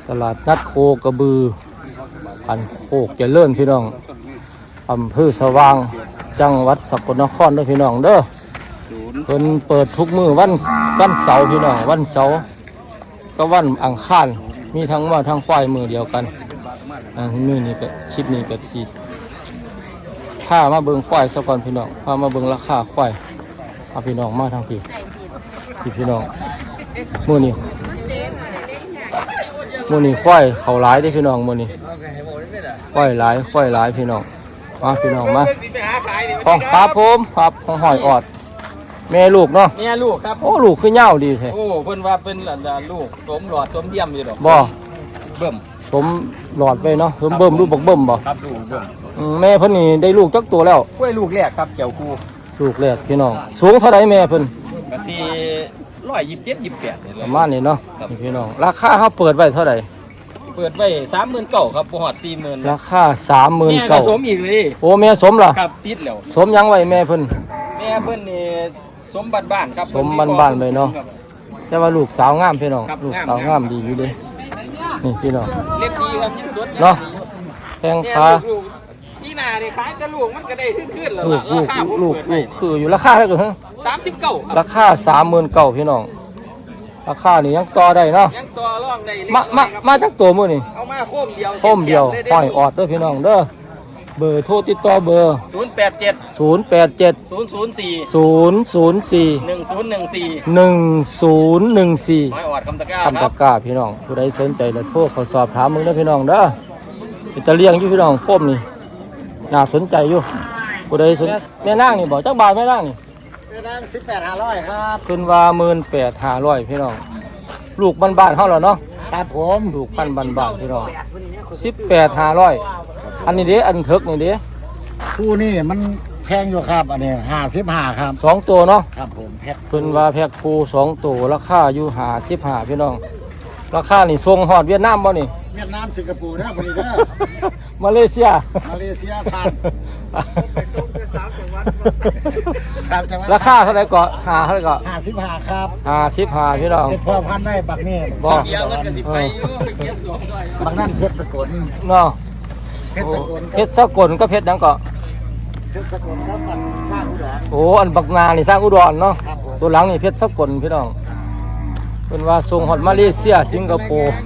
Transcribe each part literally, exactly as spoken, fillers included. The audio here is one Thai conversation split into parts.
ตลาดนัดโคกระบืออันโคกเจริญพี่น้องอำเภอสว่างจังหวัดสกลนครเด้อพี่น้องเด้อเพิ่นเปิดทุกมื้อวันวันเสาร์พี่น้องวันเสาร์ก็วันอังคารมีทั้งว่าทั้งควายมือเดียวกันอันนี้นี่ก็ชิปนี้ก็สิพามาเบิ่งควายซะก่อนพี่น้องพามาเบิ่งราคาควายเอาพี่น้องมาทางพี่พี่พี่น้องมื้อนี้มื้อนี้ควายเขาหลายเด้อพี่น้องมื้อนี้ควายหลายควายหลายพี่น้องมาพี่น้องมาของครับผมครับของหอยออดแม่ลูกเนาะแม่ลูกครับโอ้ลูกคือเหย้าดีแท้โอ้เพิ่นว่าเป็นลูกสมหลอดสมเยี่ยมอยู่ดอกบ่เบิ่มสมหลอดไปเนาะเบิ่มเบิ่มลูกบักเบิ่มบ่ครับลูกเบิ่มแม่เพิ่นนี่ได้ลูกจักตัวแล้วกล้วยลูกแรกครับเขียวคูลูกแรกพี่น้องสูงเท่าไรแม่เพิ่นก็สิหนึ่งร้อยยี่สิบเจ็ด ยี่สิบแปดนี่แหละประมาณนี้เนาะพี่น้องราคาเฮาเปิดไว้เท่าไหร่เปิดไว้ สามหมื่นเก้าพัน ครับบ่ฮอด สี่หมื่นราคา สามหมื่นเก้าพันแม่ผสมอีกเลยโอ้แม่สมล่ะครับติดแล้วสมยังไว้แม่เพิ่นแม่เพิ่นนี่สมบ้านๆครับสมบ้านๆไปเนาะแต่ว่าลูกสาวงามพี่น้องลูกสาวงามดีอยู่เด้นี่พี่น้องเล็บดีครับยังสดเนาะแพงขาพี่นานี่ขายแต่ลูกมันก็ได้ขึ้นๆแล้วลูกลูกลูกลูกคืออยู่ราคาเท่าไหร่สามสิบเก้าราคา สามหมื่นเก้าพัน พี่น้องราคานี่ยังต่อได้เนาะยังต่อรองได้มามามาจากตัวมื้อนี่เอามาโคมเดียวโคมเดียวห้อยออดเด้อพี่น้องเด้อเบอร์โทรติดต่อเบอร์ศูนย์ แปด เจ็ดศูนย์ แปด เจ็ดศูนย์ ศูนย์ สี่ศูนย์ ศูนย์ สี่หนึ่ง ศูนย์ หนึ่ง สี่หนึ่ง ศูนย์ หนึ่ง สี่ห้อยออดคำตะกร้าคำตะกร้าพี่น้องผู้ใดสนใจแล้วโทรเขาสอบถามมึงเด้อพี่น้องเด้ออิตาเลียงอยู่พี่น้องโคมนี่น่าสนใจอยู่ผู้ใดสนแม่นางนี่บ่จักบาทแม่นางนี่แม่นางสิบแปด ห้าร้อยครับขึ้นว่า หนึ่งหมื่นแปดพันห้าร้อย พี่น้องลูกบ้านๆเฮาแล้วเนาะครับผมลูกพันธุ์บ้านๆพี่น้องสิบแปดพันห้าร้อยอันนี้เด้อันเถิกนี่เด้คู่นี่มันแพงอยู่ครับอันนี้ห้าสิบห้าครับสองตัวเนาะครับผมแพ็คเพิ่นว่าแพ็คคู่สองตัวราคาอยู่ห้าสิบห้าพี่น้องราคานี่ส่งฮอดเวียดนามบ่นี่เวียดนามสิงคโปร์เด้อคนนี้เด้อมาเลเซียมาเลเซียผ่านสามจังหวัดสามจังหวัดราคาเท่าไหร่ก็ห้าเท่าไหร่ก็ห้าสิบห้าครับห้าสิบห้าพี่น้องเป็นพ่อพันธุ์ได้บักนี่บ่เดียวกันก็สิไปอยู่เก็บสวมด้วยบักนั่นเพชรสกลเนาะเพชรสกลเพชรสกลก็เพชรหยังก็เพชรสกลครับมันสร้างอุดรโอ้อันบักนานี่สร้างอุดรเนาะตัวหลังนี่เพชรสกลพี่น้องเป็นว่าส่งฮอดมาเลเซียสิงคโปร์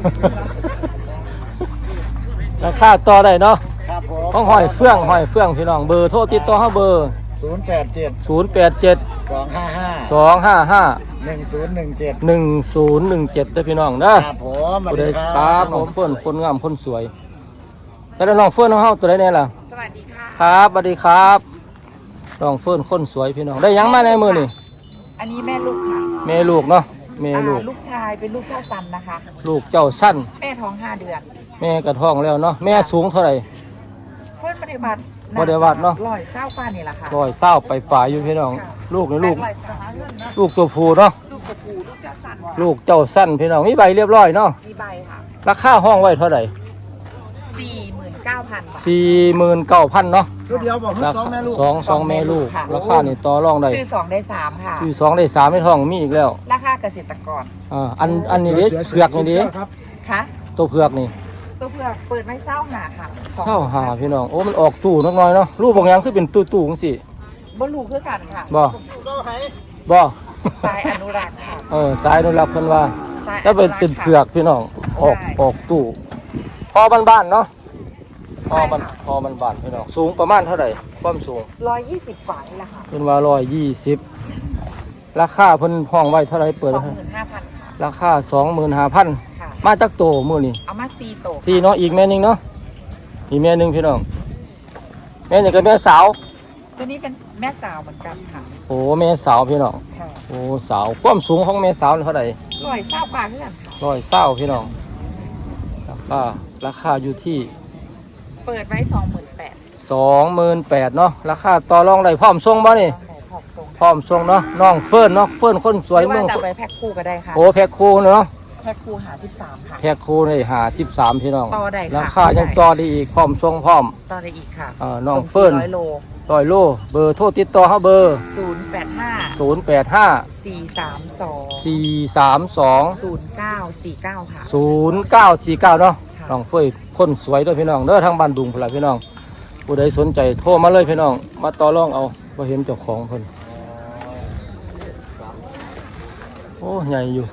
ราคาต่อได้เนาะครับผมต้องหอยเฟื่องหอยเฟื่องพี่น้องเบอร์โทรติดต่อเฮาเบอร์ศูนย์ แปด เจ็ดศูนย์ แปด เจ็ดสอง ห้า ห้าสอง ห้า ห้าหนึ่ง ศูนย์ หนึ่ง เจ็ดหนึ่ง ศูนย์ หนึ่ง เจ็ดเด้อพี่น้องเด้อครับผมผู้ใดครับน้องเฟิร์นคนงามคนสวยแต่น้องเฟิร์นของเฮาตัวใดแน่ล่ะสวัสดีค่ะครับสวัสดีครับน้องเฟิร์นคนสวยพี่น้องได้ยังมาในมือนี่อันนี้แม่ลูกค่ะแม่ลูกเนาะแม่ลูกลูกชายเป็นลูกเจ้าสันนะคะลูกเจ้าสั้นแม่ท้องห้าเดือนแม่กระท้องแล้วเนาะแม่สูงเท่าไหร่เฟิร์นปฏิบัติปฏิบัติเนาะร้อยเศร้าป้านี่แหละค่ะร้อยเศร้าไปป่าอยู่พี่น้องลูกนี่ลูกลูกตัวผู้เนาะลูกตัวผู้ลูกเจ้าสันลูกเจ้าสั้นพี่น้องมีใบเรียบร้อยเนาะมีใบค่ะราคาห้องไว้เท่าไหร่สี่หมื่นเก้าพันสี่หมื่นเก้าพันเนาะเดียวบอกสองแม่ลูกสองสองแม่ลูกราคานี่ต่อรองได้ซื้อสองได้สามค่ะซื้อสองได้สามไม่ท้องมีอีกแล้วราคาเกษตรกรอ่าอันอันนี้เด็เผือกนี่เด็ค่ะตัวเผือกนี่ตัวเผือกเปิดไม่เศร้าหาค่ะเศร้าหาพี่น้องโอ้มันออกตู้น้อยๆเนาะรูปบางอย่างคือเป็นตู้ตู้จังซี่บ่ลูกคือกันค่ะบ่บ่สายอนุรักษ์ค่ะเออสายอนุรักษ์เพิ่นว่าถ้าเป็นเป็นเผือกพี่น้องออกออกตู้พอบ้านๆเนาะพอมันพอมันบ้านพี่น้องสูงประมาณเท่าไหร่ความสูงร้อยยี่สิบกว่านี่แหละค่ะเพิ่นว่าร้อยยี่สิบราคาเพิ่นห้องไว้เท่าไหร่เปิดสองหมื่นห้าพันค่ะราคาสองหมื่นห้าพันมาจากโตมื้อนี้เอามาสี่โตสี่เนาะอีกแม่นึงเนาะอีกแม่นึงพี่น้องแม่นี่ก็แม่สาวตัวนี้เป็นแม่สาวเหมือนกันค่ะโอ้แม่สาวพี่น้องโอ้สาวความสูงของแม่สาวเท่าไหร่ร้อยเศร้ากว่าเพื่อนร้อยเศร้าพี่น้องราคาราคาอยู่ที่เปิดไว้สองหมื่นแปดสองหมื่นแปดเนาะราคาต่อรองได้พร้อมส่งบ่นี่พร้อมส่งเนาะน้องเฟิร์นเนาะเฟิร์นคนสวยเมืองจะไปแพ็คคู่ก็ได้ค่ะโอ้แพ็คคู่เนาะแพ็คคู่หาสิบสามค่ะแพ็คคู่นี่หาสิบสามพี่น้องต่อได้ค่ะราคายังต่อได้อีกพร้อมส่งพร้อมต่อได้อีกค่ะอ่าน้องเฟิร์นร้อยโลร้อยโลเบอร์โทรติดต่อเฮาเบอร์ศูนย์แปดห้าศูนย์แปดห้าสี่สามสองสี่สามสองศูนย์เก้าสี่เก้าค่ะศูนย์เก้าสี่เก้าเนาะค่ะน้องเฟยคนสวยเด้อพี่น้องเด้อทางบ้านดุงพุ่นล่ะพี่น้องผู้ใดสนใจโทรมาเลยพี่น้องมาต่อรองเอาบ่เห็นเจ้าของเพิ่นโอ้ใหญ่อยู่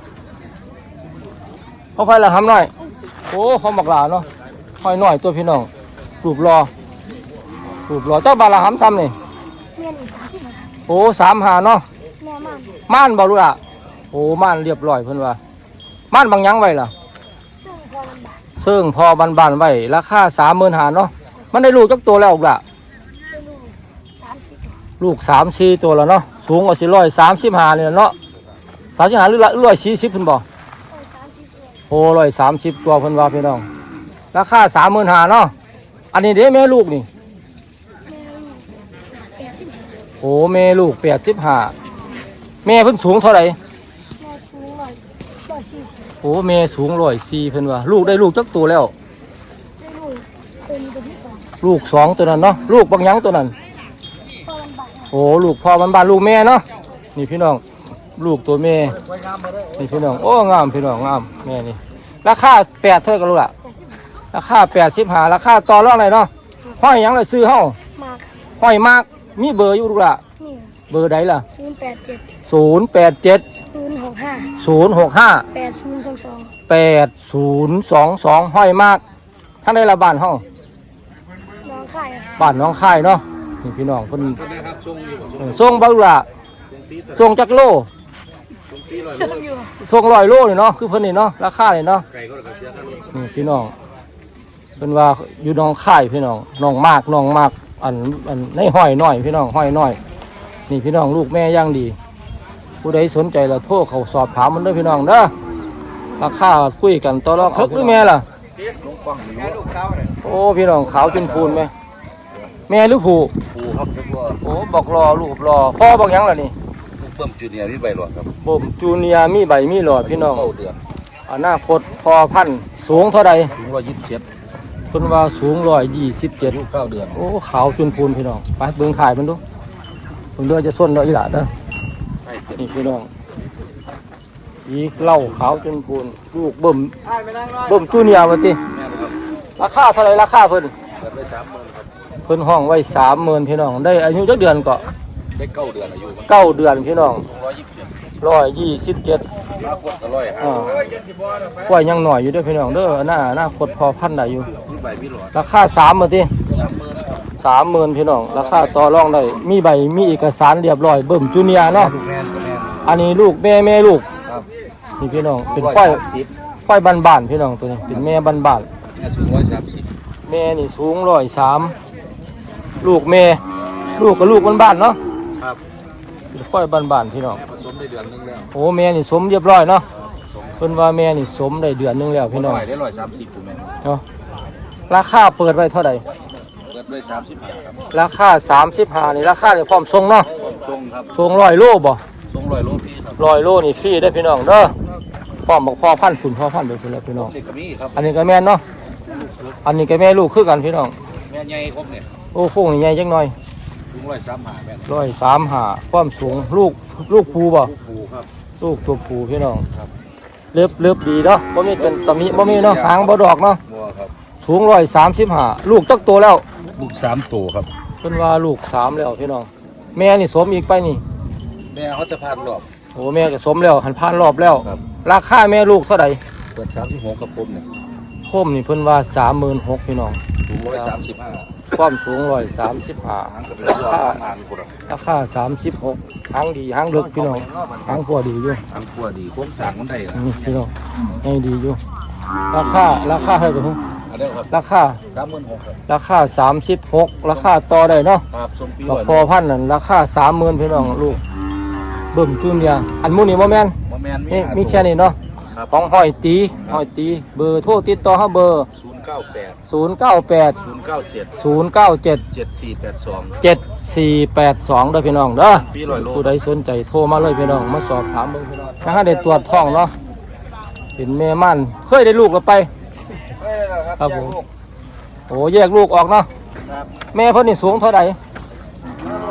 เขาไปละหำหน่อยโอ้เขาบักหลาเนาะห้อยหน่อยตัวพี่น้องรูปรอรูปรอเจ้าบาละหำซ้ำนี่เมียนอีกสามสิบนาทีโอ้สามหาเนาะแม่มันม่านบ่รู้ล่ะโอ้ม่านเรียบร้อยเพิ่นว่าม่านบางหยังไว้ล่ะซึ่งพอมันบาดซึ่งพอบานๆไว้ราคาสามหมื่นหาเนาะมันได้ลูกจักตัวแล้วล่ะไปลูกสามสิบตัวลูกสามสี่ตัวแล้วเนาะสูงกว่าสี่ร้อยสามสิบห้าเนี่ยเนาะสามสิบห้าหรือร้อยสี่สิบเพิ่นบอกโอ้สามสิบตัวโอ้ร้อยสามสิบตัวเพิ่นว่าพี่น้องราคาสามหมื่นหาเนาะอันนี้เด้แม่ลูกนี่แม่ลูกแปดสิบห้าโอ้แม่ลูกแปดสิบห้าแม่เพิ่นสูงเท่าไหร่แม่สูงร้อยร้อยสี่สิบโอ้แม่สูงร้อยสี่เพิ่นว่าลูกได้ลูกจักตัวแล้วได้ลูกเป็นตัวที่สองลูกสองตัวนั้นเนาะลูกบางหยังตัวนั้นพอมันบาดโอ้ลูกพ่อบ้านๆลูกแม่เนาะนี่พี่น้องลูกตัวแม่นี่พี่น้องโอ้งามพี่น้องงามแม่นี่ราคาแปดเท่ากันลูกละแปดสิบห้าราคาแปดสิบห้าราคาต่อรองไหนเนาะห้อยหยังเลยซื้อเฮามากห้อยมากมีเบอร์อยู่ลูกละนี่เบอร์ใดล่ะศูนย์แปดเจ็ดศูนย์แปดเจ็ดศูนย์หกห้าศูนย์หกห้าแปดศูนย์สองสองแปดศูนย์สองสองห้อยมากท่านได้ละบ้านเฮาน้องข่ายบ้านน้องค่ายเนาะนี่พี่น้องเพิ่นคนนะครับช่วงอยู่กับช่วงเออส่งบ่ลูกละฟรีเถอะส่งจักโลช่วงฟรีลอยช่วงอยู่ส่งร้อยโลนี่เนาะคือเพิ่นนี่เนาะราคานี่เนาะไก่ก็เลยเสียค่ารถนี่พี่น้องเป็นว่าอยู่หน้องค่ายพี่น้องน้องมากน้องมากอันอันในห้อยน้อยพี่น้องห้อยน้อย นี่พี่น้องลูกแม่ย่างดี ผู้ใดสนใจเราโทรเขาสอบถามมันเด้อพี่น้องเด้อราคาคุยกันต่อรองทึกหรือแม่ล่ะลุงป้องแม่ลูกเขาเนี่ยโอ้พี่น้องขาวจนพูนไหมแม่หรือผู้ปูครับทุกว่าโอ้บอกรอลูกรอพ่อบอกหยังล่ะนี่ลูกเบิ่มจูเนียร์มีใบหลอดครับบ่มจูเนียร์มีใบมีหลอดพี่น้องเข้าเดือนอนาคตพอพันธุ์สูงเท่าใดถึงร้อยยี่สิบเจ็ดเพิ่นว่าสูงร้อยยี่สิบเจ็ดลูกเก้าเดือนโอ้ขาวจนพูนพี่น้องไปเบิ่งถ่ายมันดูเบิ่งเด้อจะส้นเด้ออีหล่ะเด้อให้เต็มนี่พี่น้องอีเหล้าขาวจนพูนลูกเบิ่มเบิ่มจูเนียร์ว่าติแม่นะครับราคาเท่าไหร่ราคาเพิ่นเปิดได้สามหมื่นครับเพิ่นห้องไว้สามหมื่นพี่น้องได้อายุจักเดือนก็ได้เก้าเดือนอายุมันเก้าเดือนพี่น้องร้อยยี่สิบเจ็ดร้อยยี่สิบเจ็ดมาขวดก็ร้อยห้าอ่าปล่อยยังหน่อยอยู่เด้อพี่น้องเด้อหน้าหน้าคดพอพันได้อยู่มีใบมีหลอดราคาสามหมื่นติสามหมื่นครับสามหมื่นพี่น้องราคาต่อรองได้มีใบมีเอกสารเรียบร้อยเบิ่มจูเนียร์เนาะลูกแม่ก็แม่อันนี้ลูกแม่แม่ลูกครับนี่พี่น้องเป็นร้อยควายสามสิบควายบ้านๆพี่น้องตัวนี้เป็นแม่บ้านแม่สูงร้อยสามสิบๆแม่นี่สูงร้อยสามลูกแม่ลูกกับลูกบ้านๆเนาะครับเป็นควายบ้านๆพี่น้องผสมได้เดือนนึงแล้วโอ้แม่นี่สมเรียบร้อยเนาะเพิ่นว่าแม่นี่สมได้เดือนหนึงแล้วพี่น้องได้ร้อยสามสิบถูกไหมเนาะราคาเปิดไว้เท่าไหร่เปิดด้วยสามสิบห้าครับราคาสามสิบห้านี่ราคาเดี๋ยวพร้อมส่งเนาะชงครับส่งร้อยโลบ่ชงร้อยโลพี่ครับร้อยโลนี่ฟรีได้อพี่น้องเด้อพร้อมบอกพ่อพันธุ์คุณพ่อพันธุ์เด้อพี่น้องพี่น้องเด็กก็มีครับอันนี้ก็แม่นเนาะอันนี้ก็แม่ลูกคือกันพี่น้องแม่ใหญ่ครบเนี่ยโอ้ฟูงนี่ใหญ่จังหน่อยถึงร้อยสามหาแม่ร้อยสามห้าความสูงลูกลูกภูบ่ลูกปูครับลูกตัวภูพี่น้องครับเล็บเล็บดีเนาะบ่มีเป็นตำหนิบ่มีเนาะหางบ่ดอกเนาะบัวครับสูงร้อยสามสิบห้าลูกตักตัวแล้วลูกสามตัวครับเพิ่นว่าลูกสามแล้วพี่น้องแม่นี่สมอีกไปนี่แม่เขาจะพานรอบโอ้แม่ก็สมแล้วหันผ่านรอบแล้วครับราคาแม่ลูกเท่าใดเปิดสามสิบหกกับผมเนี่ยโคมนี่เพิ่นว่าสามหมื่นหกพี่น้องสูงร้อยสามสิบห้าความสูงร้อยสามสิบห้าหางกับเป็นตัวหางคนละราคาสามสิบหกหางดีหางลึกพี่น้องหางพัวดีอยู่หางกัวดีโค้งสร้างมันได้นะนี่พี่น้องให้ดีอยู่ราคาราคาเท่าไหร่กันอันนี้ครับราคาสามหมื่นหกครับราคาสามสิบหกราคาต่อได้เนาะครับสมปีบัร้กอยพอพันนั่นราคาสามหมื่นพี่น้องลูกเบิ่มจูเนียร์อันหมูนี่บ่แม่นมาแมนนี่มีแค่นี้เนาะครับของหอยตีหอยตีเบอร์โทรติดต่อเฮาเบอร์ศูนย์เก้าแปดศูนย์เก้าแปดศูนย์เก้าเจ็ดศูนย์เก้าเจ็ดเจ็ดสี่แปดสองเจ็ดสี่แปดสองเด้อพี่น้องเด้อปีร้อยโลผู้ใดสนใจโทรมาเลยพี่น้องมาสอบถามเบิ่งพี่น้องถ้าหาได้ตรวจท้องเนาะเป็นแม่มันเคยได้ลูกแล้วไป ครับผม โอ้แยกลูกออกเนาะครับแม่เพิ่นนี่สูงเท่าไหร่แ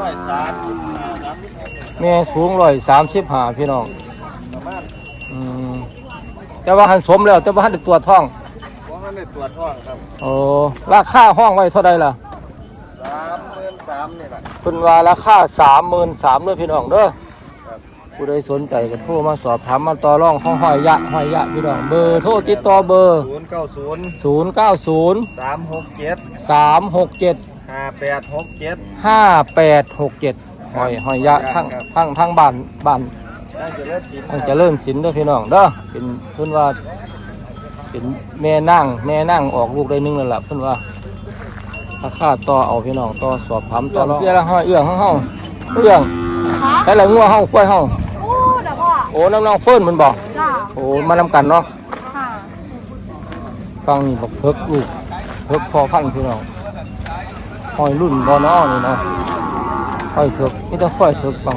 อยสามแม่สูงร้อยสามสิบห้าพี่น้องประมาณอืมแต่ว่าหันสมแล้วแต่ว่าหันได้ตัวท้องเพราะงั้นในตัวท้องครับโอ้ราคาห้องไว้เท่าใดล่ะสามเดือนสามนี่แหละเพิ่นว่าราคาสามหมื่นสามเลยพี่น้องเด้อผู้ใดสนใจก็โทรมาสอบถามมาต่อรองของห้อยยะห้อยยะพี่น้องเบอร์โทรติดต่อเบอร์ศูนย์เก้าศูนย์ศูนย์เก้าศูนย์สามหกเจ็ดสามหกเจ็ดห้าแปดหกเจ็ดห้าแปดหกเจ็ดห้อยห้อยยะทั้งครับทั้งทั้งบ้านบ้านน่าจะเลิศสินทั้งเจริญศิลป์เด้อพี่น้องเด้อเป็นเพิ่นว่าเป็นแม่นั่งแม่นั่งออกลูกได้หนึงแล้วล่ะเพิ่นว่าราคาต่อเอาพี่น้องต่อสอบถามต่อรองเสียละห้อยเอื้องของเฮาเอื้องใช้ละงัวเฮาควายเฮาโอ้เดี๋ยวพ่อโอ้น้ำน้องเฟิร์นมันบอกจ้าโอ้มานำกันเนาะค่ะฟังนี่บอกเพิกลูกเพิกพอพันพี่น้องหอยรุ่นบอนอนี่เนาะหอยเถิกนี่ต้องค่อยเถิกฟัง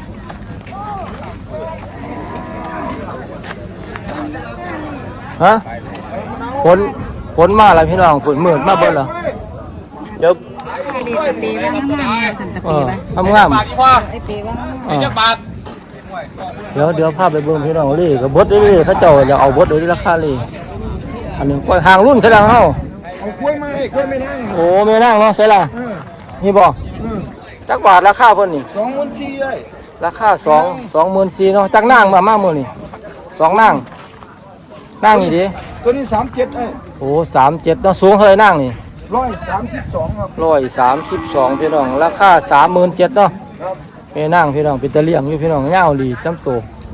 ฮะฝนฝนมาแล้วพี่น้องฝนมืดมาเบิ่นเหรอเดี๋ยวดีตะปีไว้งามๆสันตะเอปีอไว้ทำงามไอ้ปีไว้งามเออเดี๋ยวเดี๋ยวพาไปเบิ่งพี่น้องเลยกับบดเลยเขาเจ้าจะเอาบดเลยราคาเลยอันนี้กล้วยห่างรุ่นใช่แล้วเฮาเอากล้วยมาให้กล้วยไม่นั่งโอ้แม่นั่งเนาะใช่ล่ะนี่บ่จักบาทราคาเพิ่นนี่สองหมื่นสี่เลยราคาสองสองหมื่นสี่เนาะจักนั่งมามากมื้อนี่สองนั่งนั่งนี่ดิตัวนี้สามเจ็ดไอ้โอ้สามเจ็ดเนาะสูงเท่าไหร่นั่งนี่ร้อยสามสิบสองครับร้อยสามสิบสองพี่น้องราคาสามหมื่นเจ็ดเนาะครับแม่นั่งพี่น้องเป็นตะเลี่ยงอยู่พี่น้องยาวหลีจำโต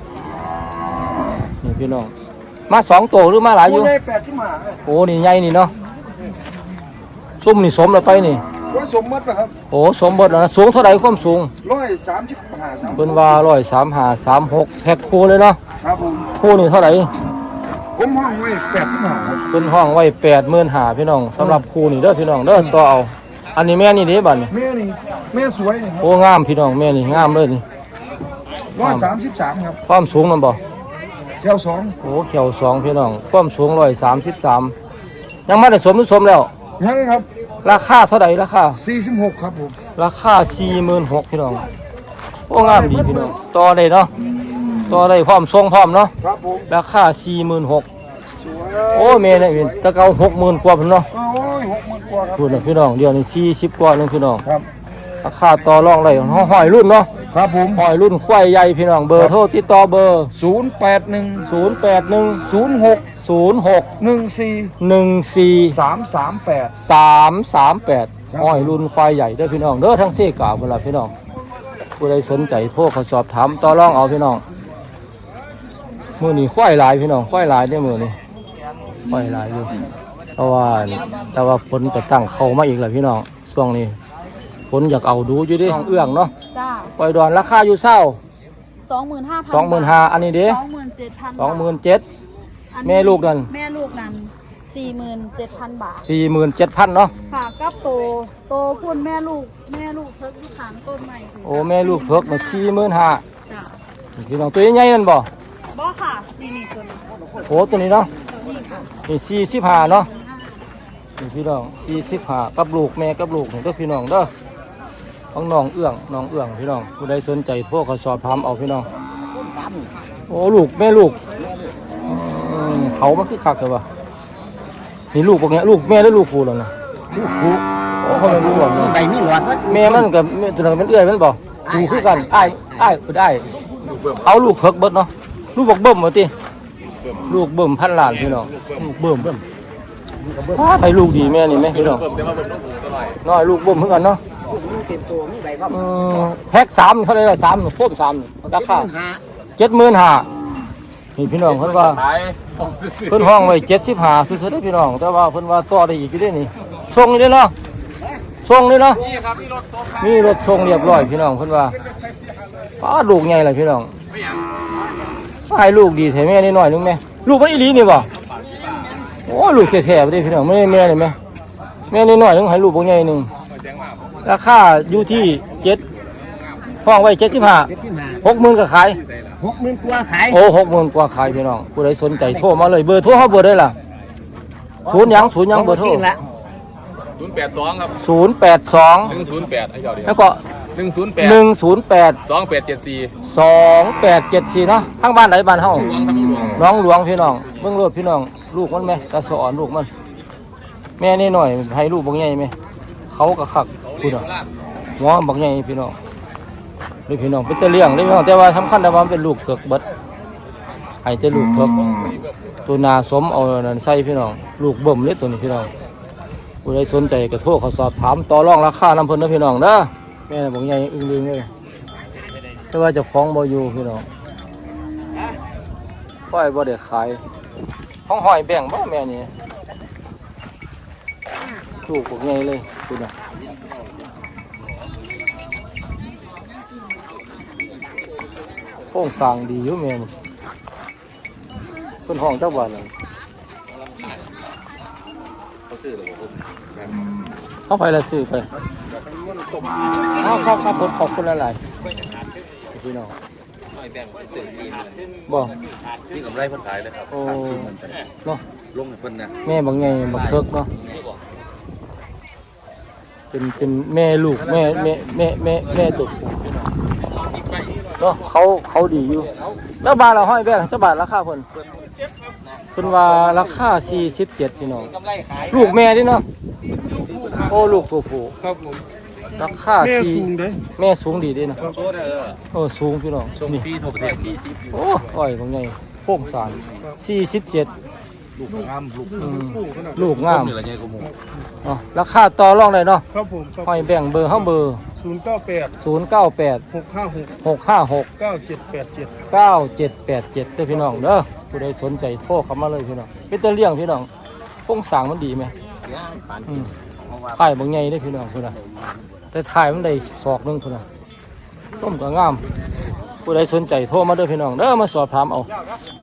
นี่พี่น้องมาสองโตหรือมาหลายอยู่กล้วยแปดที่มาไอ้โอ้นี่ใหญ่นี่เนาะซุ่มนี่สมแล้วไปนี่กล้วยสมมตินะครับโอ้สมบทแล้วนะสูงเท่าไหร่ความสูงร้อยสามสิบห้าสามเพิ่นว่าร้อยสามห้าสามหกแพ็คคู่เลยเนาะครับผมคู่นี่เท่าไหร่ผมห้องไว้แปดที่มาครับเพิ่นห้องไว้แปดหมื่นห้าพี่น้องสำหรับคู่นี่เด้อพี่น้องเด้อต่อเอาอันนี้แม่นี่เด้บัดนี่แม่นี่แม่สวยนี่ครับโอ้งามพี่น้องแม่นี่งามเลยนี่ร้อยสามสิบสามครับความสูงมันบ่แก้วสองโอ้เขียวสองพี่น้องความสูงร้อยสามสิบสามยังไม่ได้สมหรือสมแล้วยังครับราคาเท่าไหร่ราคาสี่สิบหกครับผมราคาสี่หมื่นหกพี่น้องโอ้งามดีพี่น้องต่อได้เนาะต่อได้พร้อมทรงพร้อมเนาะครับผมราคาสี่หมื่นหกสวยโอ้เมย์เนี่ยเป็นตะเกาหกหมื่นกว่าพี่นเนาะโอ้ยหกหมื่นกว่าครับพูดนะพี่น้องเดี๋ยวนี้สี่สิบกว่านึงพี่น้องครับราคาต่อรองได้ห้อยห้อยรุ่นเนาะครับผมห้อยรุ่นควายใหญ่พี่น้องเบอร์โทรติดต่อเบอร์ศูนย์แปดหนึ่งศูนย์แปดหนึ่งศูนย์หกศูนย์หกหนึ่งสี่หนึ่งสี่สามสามแปดสามสามแปดครับห้อยรุ่นควายใหญ่เด้อพี่น้องเด้อทั้งเส้กาเวลาพี่น้องผู้ใดสนใจโทรเขาสอบถามต่อรองเอาพี่น้องมือนี้ควายหลายพี่น้องควายหลายได้อมือนี้ควายหลายอยู่แต่ว่าแต่ว่าผลก็ตั้งเข้ามาอีกแล้วพี่น้องช่วงนี้ผลอยากเอาดูอยู่ดิน้องเอื้องเนาะจ้าปล่อยดอนราคาอยู่เศร้าสองหมื่นห้าพันสองหมื่นห้าอันนี้เด้สองหมื่นเจ็ดพันสองหมื่นเจ็ดแม่ลูกนั่นแม่ลูกนั้นสี่หมื่นเจ็ดพันบาทสี่หมื่นเจ็ดพันเนาะค่ะกับโตโตพุ่นแม่ลูกแม่ลูกเพิกที่ขางต้นใหม่ถึงโอ้แม่ลูกเพิกมาสี่หมื่นห้าจ้าพี่น้องตัวใหญ่ๆนั่นบ่บ่ค่ะนี่นี่ตัวนี้โอ้ตัวนี้เนาะตัวนี้ค่ะนี่สี่สิบห้าเนาะนี่พี่น้องสี่สิบห้ากับลูกแม่กับลูกนี่เด้อพี่น้องเด้อของน้องเอื้องน้องเอื้องพี่น้องผู้ใดสนใจโทรเขาสอบถามเอาพี่น้องโอ้ลูกแม่ลูกอืมเขามันคือคักเลยวะนี่ลูกพวกเนี้ยลูกแม่ได้ลูกผู้แล้วนะลูกผูโอ้เขาไม่รู้หรอกนะใบมีหลอดวัดแม่มันกับแม่ตัวนั้นเป็นเอื้อยมันบ่ผูคือกันอ้ายอ้ายเพิ่นอ้ายเอาลูกเถิกเบิดเนาะลูกบอกเบิ่มว่าติลูกเบิ่มพันล้านพี่น้องลูกเบิ่มเบิ่มอ้าไปลูกดีแม่นี่แม่พี่น้องน้อยลูกเบิ่มเหมือนกันเนาะเต็มตัวมีใบครับอืมแพ็คสามเท่าไหร่ละสามโฟมสามนี่ราคาเจ็ดหมื่นห้านี่พี่น้องเพิ่นว่าเพิ่นห้องไว้เจ็ดสิบห้าซื้อๆได้อพี่น้องแต่ว่าเพิ่นว่าต่อได้อีกอยู่เด้นี่ส่งนี่เด้อเนาะส่งนี่เนาะมีรถส่งเรียบร้อยพี่น้องเพิ่นว่าป้าลูกใหญ่เลยพี่น้องให้ลูกดีแท้แม่นิดหน่อยนึงแม่ลูกมันอีหลีนี่บ่โอ้ลูกแท้ๆบ่ได้พี่น้องไม่ได้แม่นี่แม่แม่นิดหน่อยนึงให้ลูกบ่ใหญ่นึงราคาอยู่ที่เจ็ดห้องไว้เจ็ดสิบห้าเจ็ดที่มาหกหมื่นก็ขายหกหมื่นกว่าขายโอ้หกหมื่นกว่าขายพี่น้องผู้ใดสนใจโทรมาเลยเบอร์โทรเขาเบอร์ได้ล่ะศูนย์หยังศูนย์หยังเบอร์โทรละศูนย์แปดสองครับศูนย์แปดสองหนึ่งศูนย์แปดไอ้เจ้าเดียวแล้วก็หนึ่งศูนย์แปดหนึ่งศูนย์แปดสองแปดเจ็ดสี่สองแปดเจ็ดสี่เนาะทางบ้านไหนบ้านเฮาหลวงครับหลวงน้องหลวงพี่น้องเบิ่งโลดพี่น้องลูกมันไหมตาสอนลูกมัน แม่นี่หน่อยให้ลูกบักใหญ่ไหมเขาก็คักพูดอ่ะหัวบักใหญ่พี่น้องด้วยพี่น้องเป็นตะเลี้ยงได้พี่น้องแต่ว่าสำคัญแต่ว่ามันเป็นลูกเถิกเบิดให้แต่ลูกเถิกตัวนาสมเอานั่นใส่พี่น้องลูกเบิ่มเลยตัวนี้พี่น้องผู้ใดสนใจก็โทรเขาสอบถามต่อรองราคาน้ำเพิ่นนะพี่น้องเด้อแม่บักใหญ่อึ้งลึงเลยแต่ว่าเจะคล้าของบ่อยู่พี่น้องปล่อยบ่ได้ขายห้องหอยแบ่งบ่แม่นี่ลูกบักใหญ่เลยพี่น้องโค้งสร้างดีอยู่แม่นี่เพิ่นห้องเจ้าบ้านเลยเขาไปละซื้อไปเอาครับครับผมขอบคุณหลายๆพี่น้องบ่ที่กำไรเพิ่นขายเลยครับโอ้เนาะลงให้เพิ่นนะแม่บางไงบางเทิกเนาะเป็นเป็นแม่ลูกแม่แม่แม่แม่แม่ตุกเนาะเขาเขาดีอยู่แล้วบาทเราห้อยแบงเจ้าบาทราคาเพิ่นเพิ่นว่าราคาสี่สิบเจ็ดพี่น้องลูกแม่ดิเนาะโอ้ลูกตัวผู้ครับผมราคาสี่แม่สูงดีดิเนาะโซ่ได้เออโอ้สูงพี่น้องส่งนี่ฟรีทั่วประเทศสี่สิบโอ้อ้อยบางไงโค้งสารสี่สิบเจ็ดลูกงามลูกอืมลูกงามนี่ละไงกูหมูเนาะราคาต่อรองได้เนาะครับผมครับห้อยแบ่งเบอร์เฮาเบอร์ศูนย์เก้าแปดศูนย์เก้าแปดหกห้าหกหกห้าหกเก้าเจ็ดแปดเจ็ดเก้าเจ็ดแปดเจ็ดเด้อพี่น้องเด้อผู้ใดสนใจโทรเข้ามาเลยพี่น้องเป็นตะเลี้ยงพี่น้องโครงสร้างมันดีไหมอืมถ่ายบางไงได้อพี่น้องพุ่นน่ะแต่ถ่ายมันได้ศอกหนึงพุ่นน่ะต้มก็งามผู้ใดสนใจโทรมาเด้อพี่น้องเด้อมาสอบถามเอา